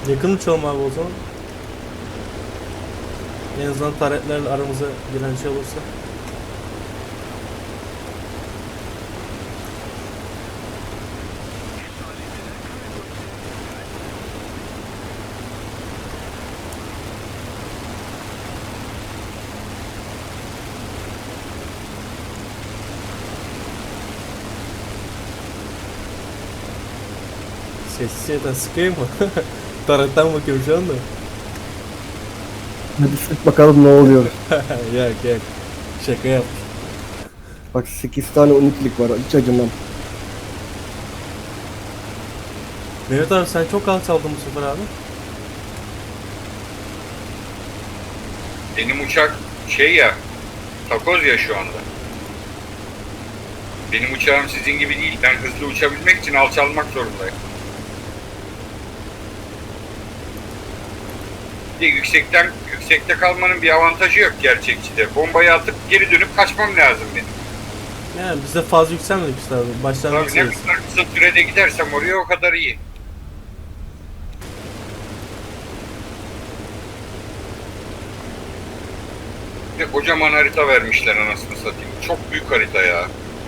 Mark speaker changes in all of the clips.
Speaker 1: Yakın uçalım abi o zaman. En azından taretlerle aramıza giren şey olursa. Sessiz yerden sıkayım mı? Taretten bakıyorum şu anda.
Speaker 2: Hadi sık bakalım ne oluyor.
Speaker 1: Yak yak. Şaka yap.
Speaker 2: Bak 8 tane 12'lik var, hiç acımam.
Speaker 1: Mehmet abi sen çok alçaldın bu sefer abi.
Speaker 3: Benim uçak şey ya, takoz ya şu anda. Benim uçağım sizin gibi değil. Ben hızlı uçabilmek için alçalmak zorundayım. Bir de yüksekte kalmanın bir avantajı yok gerçekçide. Bombayı atıp geri dönüp kaçmam lazım benim.
Speaker 1: Yani biz de fazla yükselmedik işte abi. Başlangıç
Speaker 3: Tabii ne
Speaker 1: seviyesi.
Speaker 3: kadar kısa sürede gidersem oraya o kadar iyi. Bir de kocaman harita vermişler anasını satayım. Çok büyük harita ya.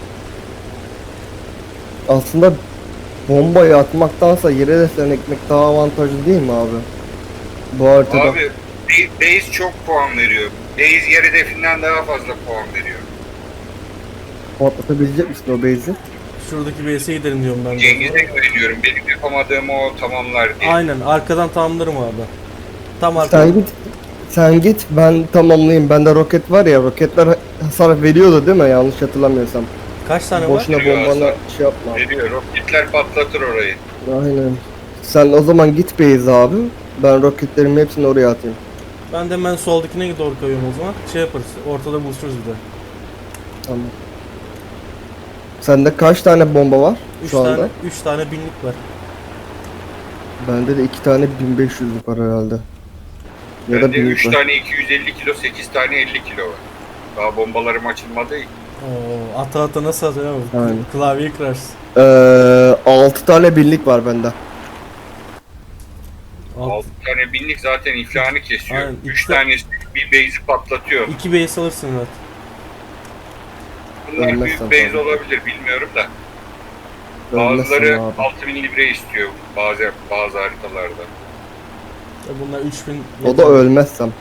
Speaker 2: Aslında bombayı atmaktansa yere desen ekmek daha avantajlı değil mi abi? Bu haritada.
Speaker 3: Abi base çok puan veriyor. Base yer hedefinden daha fazla puan veriyor.
Speaker 2: Patlatabilecek misin o base'i?
Speaker 1: Şuradaki base'e gidelim diyorum ben de.
Speaker 3: Cengiz'e güveniyorum. Benim yapamadığımı o tamamlar diye.
Speaker 1: Aynen arkadan tamamlarım abi. Tam
Speaker 2: Sen
Speaker 1: arkadan.
Speaker 2: git. Sen git, ben tamamlayayım. Bende roket var ya, roketler hasar veriyordu değil mi? Yanlış hatırlamıyorsam.
Speaker 1: Kaç tane var?
Speaker 2: Boşuna
Speaker 3: Veriyor
Speaker 2: bombana
Speaker 3: hasar.
Speaker 2: şey yapma.
Speaker 3: Veriyor. Roketler patlatır orayı.
Speaker 2: Aynen. Sen o zaman git base abi. Ben roketlerimi hepsini oraya atayım.
Speaker 1: Ben de hemen soldakine doğru kayıyorum o zaman. Şey yaparız. Ortada buluşuruz bir de.
Speaker 2: Tamam. Sende kaç tane bomba var
Speaker 1: 3
Speaker 2: şu anda?
Speaker 1: tane 3 tane binlik var.
Speaker 2: Bende de 2 tane 1500'lük var herhalde. Ya da
Speaker 3: Bende
Speaker 2: 1000'lik
Speaker 3: 3
Speaker 2: var.
Speaker 3: tane 250 kilo, 8 tane 50 kilo var. Daha bombalarım açılmadı.
Speaker 1: Oo, ata ata nasıl atıyor abi?
Speaker 2: Aynen.
Speaker 1: Klavyeyi kırarsın.
Speaker 2: 6 tane 1000'lik var bende.
Speaker 3: 6 tane binlik zaten iflahını kesiyor.
Speaker 1: Aynen,
Speaker 3: 3
Speaker 1: ikisi-
Speaker 3: tanesi bir base'i patlatıyor.
Speaker 1: 2 base alırsın evet.
Speaker 3: Bunlar
Speaker 2: Ölmezsen
Speaker 3: büyük base
Speaker 2: tabii.
Speaker 3: olabilir bilmiyorum da.
Speaker 2: Ölmezsen
Speaker 3: Bazıları
Speaker 2: abi.
Speaker 3: 6000 libre istiyor bazı haritalarda.
Speaker 1: Ya bunlar 3000.
Speaker 2: O da ölmezsem.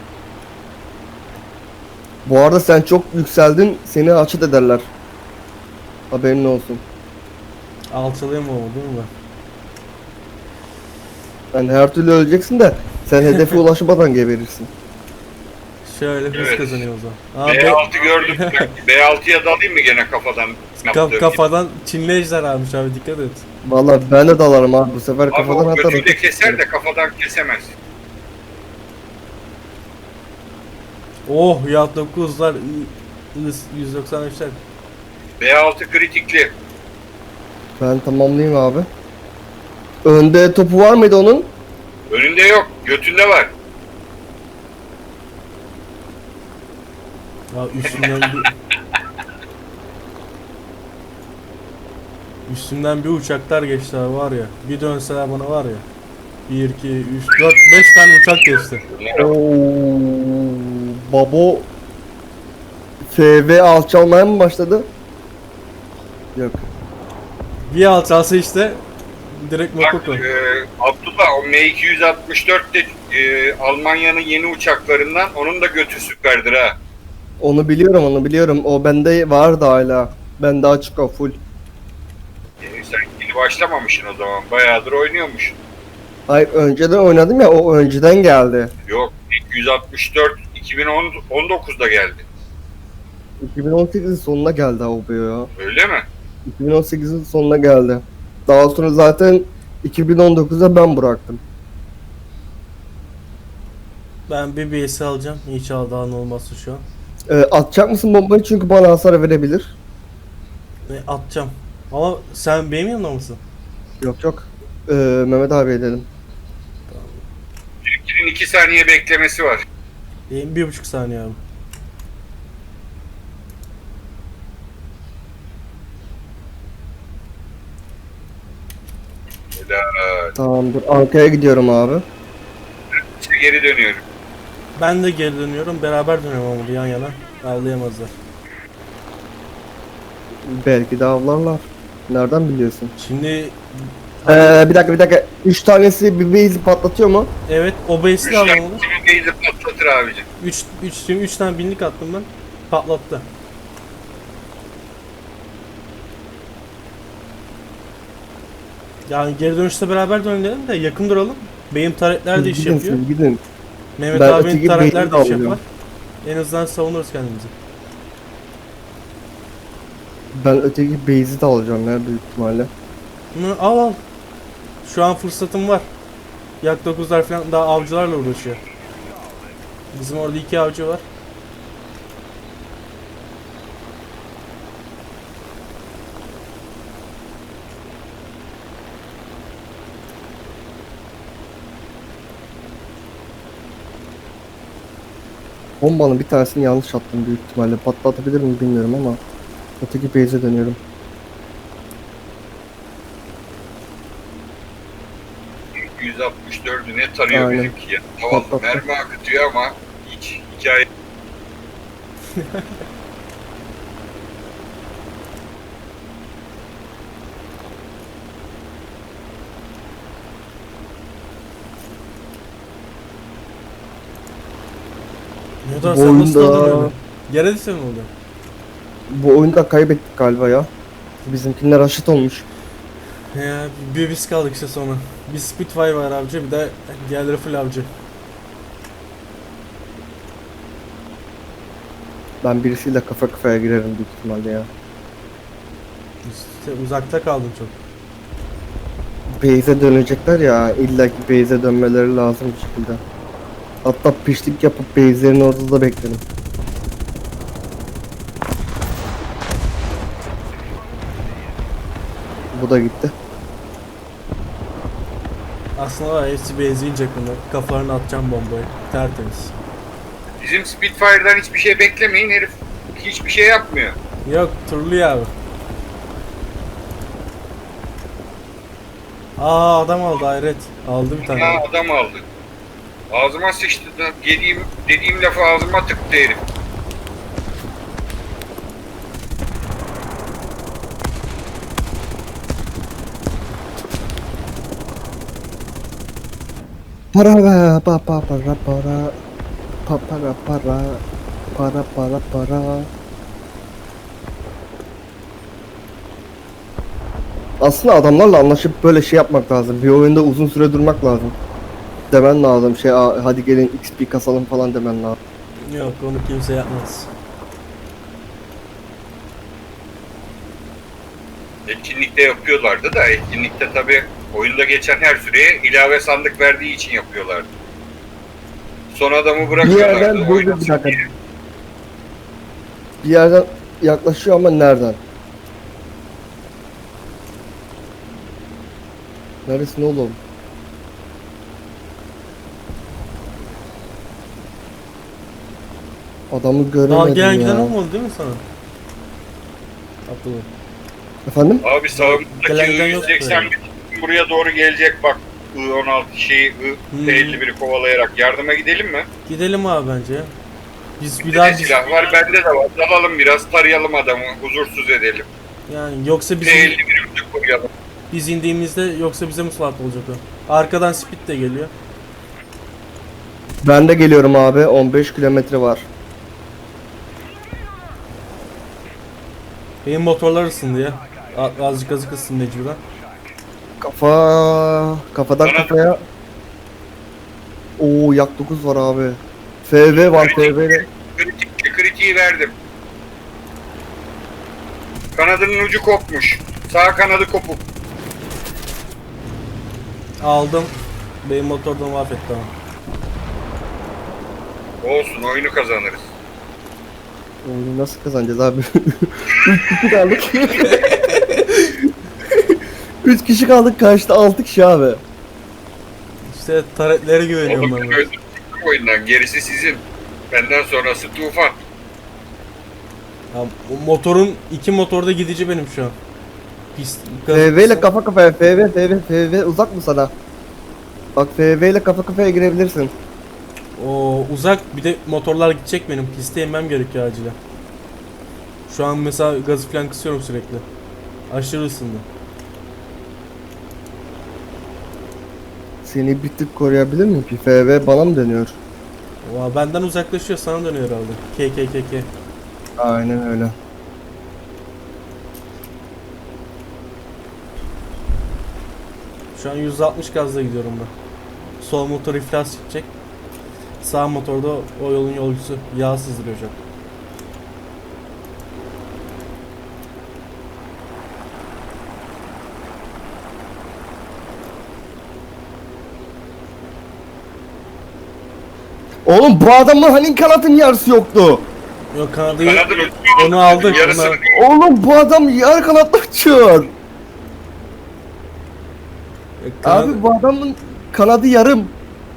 Speaker 2: Bu arada sen çok yükseldin, seni açıt ederler. Haberin olsun.
Speaker 1: Alçalayayım ama değil mi?
Speaker 2: Yani her türlü öleceksin de sen hedefe ulaşmadan geberirsin.
Speaker 1: Şöyle hız
Speaker 3: Evet.
Speaker 1: kazanıyor o zaman. Aa,
Speaker 3: B6 gördüm. B6'ya dalayım mı gene kafadan? yaptığım gibi?
Speaker 1: kafadan Çinli ejder almış abi dikkat et.
Speaker 2: Vallahi ben de dalarım abi, bu sefer
Speaker 3: Abi
Speaker 2: kafadan
Speaker 3: o
Speaker 2: atar.
Speaker 3: götüyle keser de kafadan kesemez.
Speaker 1: Oh ya 9'lar 193'ler.
Speaker 3: B6 kritikli.
Speaker 2: Ben tamamlayayım abi. Önde topu var mıydı onun?
Speaker 3: Önünde yok. Götünde var.
Speaker 1: Ya üstümden bir uçaklar geçti abi var ya. Bir dönseler bana var ya. 1 2 3 4 5 tane uçak geçti.
Speaker 2: Oo, babo FV alçalmaya mı başladı? Yok.
Speaker 1: Bir alçalsa işte direkt
Speaker 3: Bak
Speaker 1: Makoko.
Speaker 3: Abdullah o M264 de Almanya'nın yeni uçaklarından, onun da götü süperdir ha.
Speaker 2: Onu biliyorum, onu biliyorum. O bende vardı hala. Bende açık o full.
Speaker 3: Sen yeni başlamamışsın o zaman. Bayağıdır oynuyormuş.
Speaker 2: Hayır, önceden oynadım ya, o önceden geldi.
Speaker 3: Yok 264 2019'da geldi.
Speaker 2: 2018'in sonuna geldi abi ya.
Speaker 3: Öyle mi?
Speaker 2: 2018'in sonuna geldi. Daha sonra zaten 2019'da ben bıraktım.
Speaker 1: Ben bir BS alacağım. İnşallah daha ne olmazsa şu an.
Speaker 2: Atacak mısın bombayı, çünkü bana hasar verebilir.
Speaker 1: Atacağım. Ama sen benim yanımda mısın?
Speaker 2: Yok yok. Mehmet abi edelim.
Speaker 3: Benimkinin 2 saniye beklemesi var.
Speaker 1: Benim 1,5 saniye abi.
Speaker 3: Helal.
Speaker 2: Tamamdır. Anka'ya gidiyorum abi.
Speaker 3: İşte geri dönüyorum.
Speaker 1: Ben de geri dönüyorum. Beraber dönüyorum ama yan yana. Avlayamazlar.
Speaker 2: Belki de avlarlar. Nereden biliyorsun?
Speaker 1: Şimdi
Speaker 2: Bir dakika. 3 tanesi bir base patlatıyor mu?
Speaker 1: evet o base'i de alalım.
Speaker 3: Beyzi patlatır abicim.
Speaker 1: 3 tane binlik attım ben. Patlattı. Yani geri dönüşte beraber dönelim de yakın duralım. Benim taretler de iş
Speaker 2: Gidin
Speaker 1: yapıyor.
Speaker 2: siz gidin.
Speaker 1: Mehmet
Speaker 2: Ben
Speaker 1: abinin
Speaker 2: öteki
Speaker 1: taretler de
Speaker 2: base'i
Speaker 1: iş yapar.
Speaker 2: alıyorum.
Speaker 1: En azından savunuruz kendimizi.
Speaker 2: Ben öteki base'i de alacağım ya büyük ihtimalle.
Speaker 1: Bunu al. Şu an fırsatım var. Yak 9'lar falan daha avcılarla uğraşıyor. Bizim orada 2 avcı var.
Speaker 2: Bombanın bir tanesini yanlış attım büyük ihtimalle. Patlatabilir mi bilmiyorum ama öteki base'e dönüyorum.
Speaker 3: %64'ü ne tarıyor
Speaker 2: Aynen.
Speaker 3: bizimki ya. Tamam
Speaker 2: Patlattı.
Speaker 3: mermi akıtıyor ama hiç hikaye.
Speaker 1: Ne da
Speaker 2: Bu
Speaker 1: sen nasıl
Speaker 2: oyunda-
Speaker 1: oldun öyle? Yere düşsen mi oldu?
Speaker 2: Bu oyunda kaybettik galiba ya. Bizimkiler aşıt olmuş.
Speaker 1: Ya bir biz kaldık işte sonra. Bir Spitfire var avcı, bir de diğerleri full avcı.
Speaker 2: Ben birisiyle kafa kafaya girerim büyük ihtimalle ya.
Speaker 1: İşte uzakta kaldım çok.
Speaker 2: Base'e dönecekler ya. İlla ki base'e dönmeleri lazım bir şekilde. Hatta pişlik yapıp base'lerin orada da beklerim. Bu da gitti.
Speaker 1: Aslında var ya, hepsi benzeyecek bunlar. Kafalarına atacağım bombayı. Tertemiz.
Speaker 3: Bizim Spitfire'dan hiçbir şey beklemeyin, herif hiçbir şey yapmıyor.
Speaker 1: Yok turluyor abi. Aa adam aldı hayret. Aldı bir tane.
Speaker 3: Ya adam aldı. Ağzıma sıçtı. Dediğim lafı ağzıma tıktı herif.
Speaker 2: Para be, para. Para. Aslında adamlarla anlaşıp böyle şey yapmak lazım. Bir oyunda uzun süre durmak lazım. Demen lazım. Hadi gelin XP kasalım falan demen lazım.
Speaker 1: Yok onu kimse yapmaz.
Speaker 3: Etkinlikte yapıyorlardı da etkinlikte tabi oyunda geçen her süreye ilave sandık verdiği için yapıyorlardı. Son adamı
Speaker 2: Bir
Speaker 3: bırakıyorlardı.
Speaker 2: yerden dur bir
Speaker 3: oynasın
Speaker 2: dakika.
Speaker 3: diye.
Speaker 2: Bir yerden yaklaşıyor ama nereden? Neresin oğlum? Adamı göremedim
Speaker 1: Daha gelen
Speaker 2: ya.
Speaker 1: giden olmadı değil mi sana? Abdullah.
Speaker 2: Efendim?
Speaker 3: Abi sağımızdaki
Speaker 1: Gelen giden yok
Speaker 3: I-181 buraya doğru gelecek bak. I-16 şeyi I-51'i kovalayarak yardıma gidelim mi?
Speaker 1: Gidelim abi bence ya. Biz bir
Speaker 3: Bir
Speaker 1: daha
Speaker 3: de silah var, bende de var. Dalalım biraz, tarayalım adamı, huzursuz edelim.
Speaker 1: yani yoksa bizim
Speaker 3: T-51'imizi koruyalım.
Speaker 1: biz indiğimizde yoksa bize musallat olacak o. Arkadan Speed de geliyor.
Speaker 2: Ben de geliyorum abi. 15 kilometre var.
Speaker 1: Benim motorlar ısındı ya. Azıcık ısındı mecburen.
Speaker 2: Kafadan
Speaker 3: Bana-
Speaker 2: kafaya. Oo yak 9 var abi. FV var FV'de.
Speaker 3: Kritiği verdim. Kanadının ucu kopmuş. Sağ kanadı kopuk.
Speaker 1: Aldım. Benim motordan mahvetti ama.
Speaker 3: Olsun, oyunu kazanırız.
Speaker 2: Oyunu nasıl kazanacağız abi? 3 kişi kaldık. 3 kişi kaldık karşıda 6 kişi abi.
Speaker 1: İşte taretlere güveniyorum
Speaker 3: Oğlum
Speaker 1: ben.
Speaker 3: öldürdük oyundan, gerisi sizin. Benden sonrası tufan.
Speaker 1: Ya, o motorun iki motorda gidici benim şu an. Pist.
Speaker 2: FV ile kafa kafaya FV uzak mı sana? Bak FV ile kafa kafaya girebilirsin.
Speaker 1: O uzak, bir de motorlar gidecek benim. Piste inmem gerekiyor acilen. Şu an mesela gazı falan kısıyorum sürekli. Aşırı ısındı.
Speaker 2: Seni bir tık koruyabilir miyim ki? FV bana mı dönüyor?
Speaker 1: Oha, benden uzaklaşıyor, sana dönüyor herhalde. K.
Speaker 2: Aynen öyle.
Speaker 1: Şu an 160 gazla gidiyorum ben. Sol motor iflas edecek. Sağ motorda o yolun yolcusu yağ sızdırıyor şu an.
Speaker 2: Oğlum bu adamın hani kanatın yarısı yoktu.
Speaker 1: Yok, kanadı
Speaker 3: Kanadın ucunu
Speaker 1: onu aldık.
Speaker 3: yarısını
Speaker 2: Oğlum bu adam yarı kanatla uçuyor. Abi bu adamın kanadı yarım.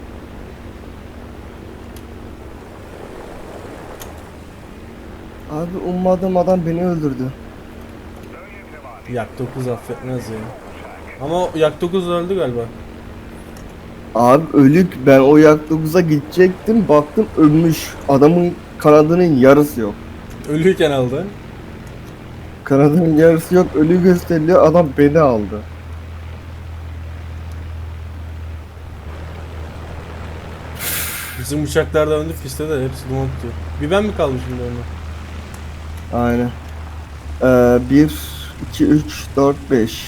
Speaker 2: Abi ummadığım adam beni öldürdü.
Speaker 1: Yak 9 affetmez ya. Ama Yak 9 öldü galiba.
Speaker 2: Abi ölük, ben o yak 9'a gidecektim, baktım ölmüş. Adamın kanadının yarısı yok.
Speaker 1: Ölüyken aldı.
Speaker 2: Kanadının yarısı yok, ölü gösteriliyor, adam beni aldı.
Speaker 1: Bizim uçaklar da öndü piste de hepsi duman tutuyor. Bir ben mi kaldım şimdi onunla?
Speaker 2: Aynen. 1, 2, 3, 4, 5.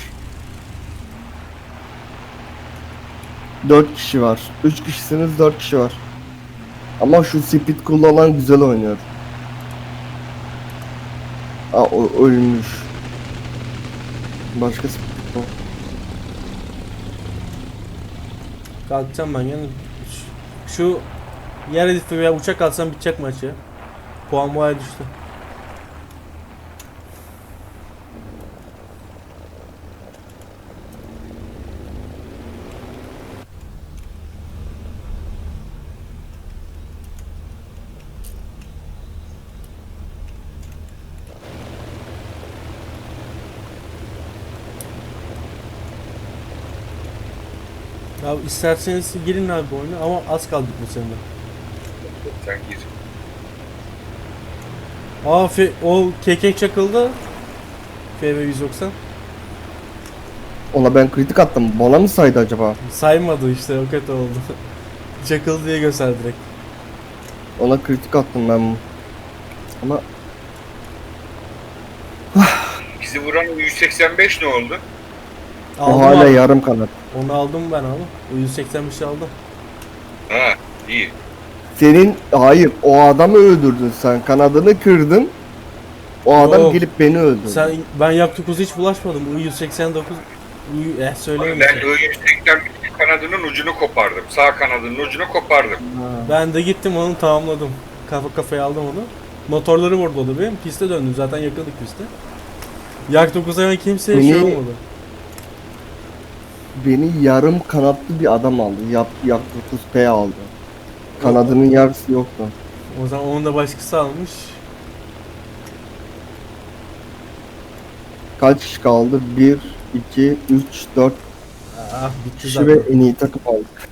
Speaker 2: 4 kişi var. 3 kişisiniz, 4 kişi var. Ama şu speed kullanan güzel oynuyor. Aa, o ölmüş. Başka speed yok.
Speaker 1: Kalkacağım ben yani. Şu yer hedefi veya uçak alsam bitecek maç ya. Puan boya düştü. Ya isterseniz girin abi bu oyuna ama az kaldık bu sene.
Speaker 3: sen gir.
Speaker 1: Aa o kekek çakıldı. FV 190.
Speaker 2: Ona ben kritik attım. Bana mı saydı acaba?
Speaker 1: Saymadı işte, o kötü oldu. Çakıldı diye gösterdi direkt.
Speaker 2: Ona kritik attım ben. Ama
Speaker 3: Bizi vuran 185 ne oldu?
Speaker 2: o
Speaker 1: Aldım
Speaker 2: hala
Speaker 1: abi.
Speaker 2: yarım kanat.
Speaker 1: Onu aldım ben abi. O 185'i aldım.
Speaker 3: Ha, iyi.
Speaker 2: Senin hayır, o adamı öldürdün sen. Kanadını kırdın. O adam
Speaker 1: Yok.
Speaker 2: gelip beni öldürdü.
Speaker 1: Ben Yak 9'a hiç bulaşmadım. I-189 söyleyeyim
Speaker 3: Ben
Speaker 1: işte.
Speaker 3: I-181 kanadının ucunu kopardım. Sağ kanadının ucunu kopardım.
Speaker 1: Ben de gittim onu tamamladım. Kafa kafaya aldım onu. Motorları vurdu o da benim. Piste döndüm zaten, yakındık piste. Yak 9'a ben kimseye şey
Speaker 2: Beni-
Speaker 1: olmadı.
Speaker 2: Beni yarım kanatlı bir adam aldı. Yak 9P aldı. Kanadının yarısı yoktu.
Speaker 1: O zaman onu da başkası almış.
Speaker 2: Kaç kişi kaldı? 1, 2, 3, 4
Speaker 1: Ah bitti
Speaker 2: kişi
Speaker 1: zaten.
Speaker 2: ve en iyi takım aldık.